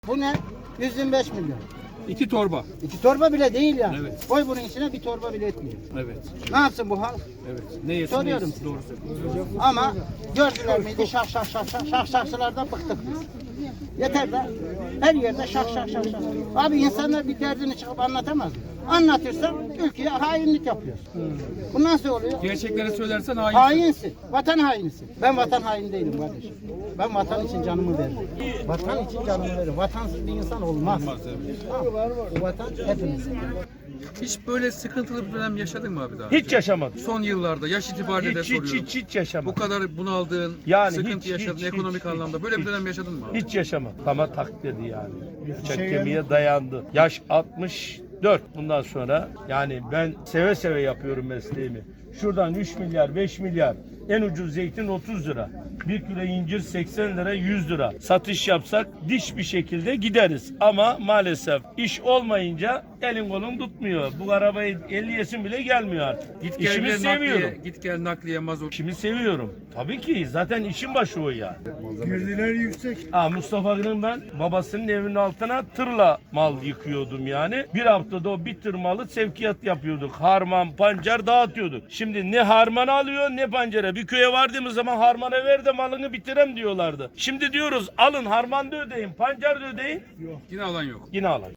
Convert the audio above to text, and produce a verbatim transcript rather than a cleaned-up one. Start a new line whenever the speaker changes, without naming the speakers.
Bu ne? yüz yirmi beş milyon.
İki torba.
İki torba bile değil yani.
Evet.
Koy bunun içine bir torba bile etmiyor.
Evet.
Ne yapsın bu halk?
Evet. Ne yesin
Soruyorum
ne yesin. Doğru söylüyorsun.
Ama gördüler miydi şah şah şah şah şah şahçılardan bıktık biz. Yeter de her yerde şah şah şah şah. Abi insanlar bir derdini çıkıp anlatamaz mı? Anlatırsan ülkeye hainlik yapıyorsun. Bu nasıl oluyor?
Gerçekleri söylersen hain.
Hainsin. Vatan hainisin. Ben vatan haini değilim kardeşim. Ben vatan için canımı veririm. Vatan için canımı veririm. Vatansız bir insan olmaz.
Olmaz, evet.
Tamam. Bu vatan hepimizin.
Hiç böyle sıkıntılı bir dönem yaşadın mı abi daha?
Hiç yaşamadım.
Son yıllarda yaş itibariyle de
Hiç, hiç,
soruyorum.
hiç, hiç yaşamadım.
Bu kadar bunaldığın,
Yani
sıkıntı
hiç,
yaşadığın
hiç,
ekonomik
hiç,
anlamda
hiç,
böyle bir
hiç.
dönem yaşadın mı abi?
Hiç yaşamadım. Ama tak dedi yani. Bıçak kemiğe dayandı. Yaş altmış dört bundan sonra. Yani ben seve seve yapıyorum mesleğimi. Şuradan üç milyar, beş milyar. En ucuz zeytin otuz lira. Bir kilo incir seksen lira, yüz lira. Satış yapsak diş bir şekilde gideriz. Ama maalesef iş olmayınca elin kolun tutmuyor. Bu arabayı elliyesin bile gelmiyor artık.
Git gel
İşimi
nakliye,
seviyorum.
git gel nakliye mazot.
İşimi seviyorum. Tabii ki zaten işin başı o ya.
Girdiler yüksek.
Ha, Mustafa'nın ben babasının evinin altına tırla mal yıkıyordum yani. Bir haftada o bir tır malı sevkiyat yapıyorduk. Harman, pancar dağıtıyorduk. Şimdi ne harman alıyor ne pancara. Bir köye vardığımız zaman harmana ver de malını bitirem diyorlardı. Şimdi diyoruz alın harman da ödeyin, pancar da ödeyin.
Yine alan yok.
Yine alın.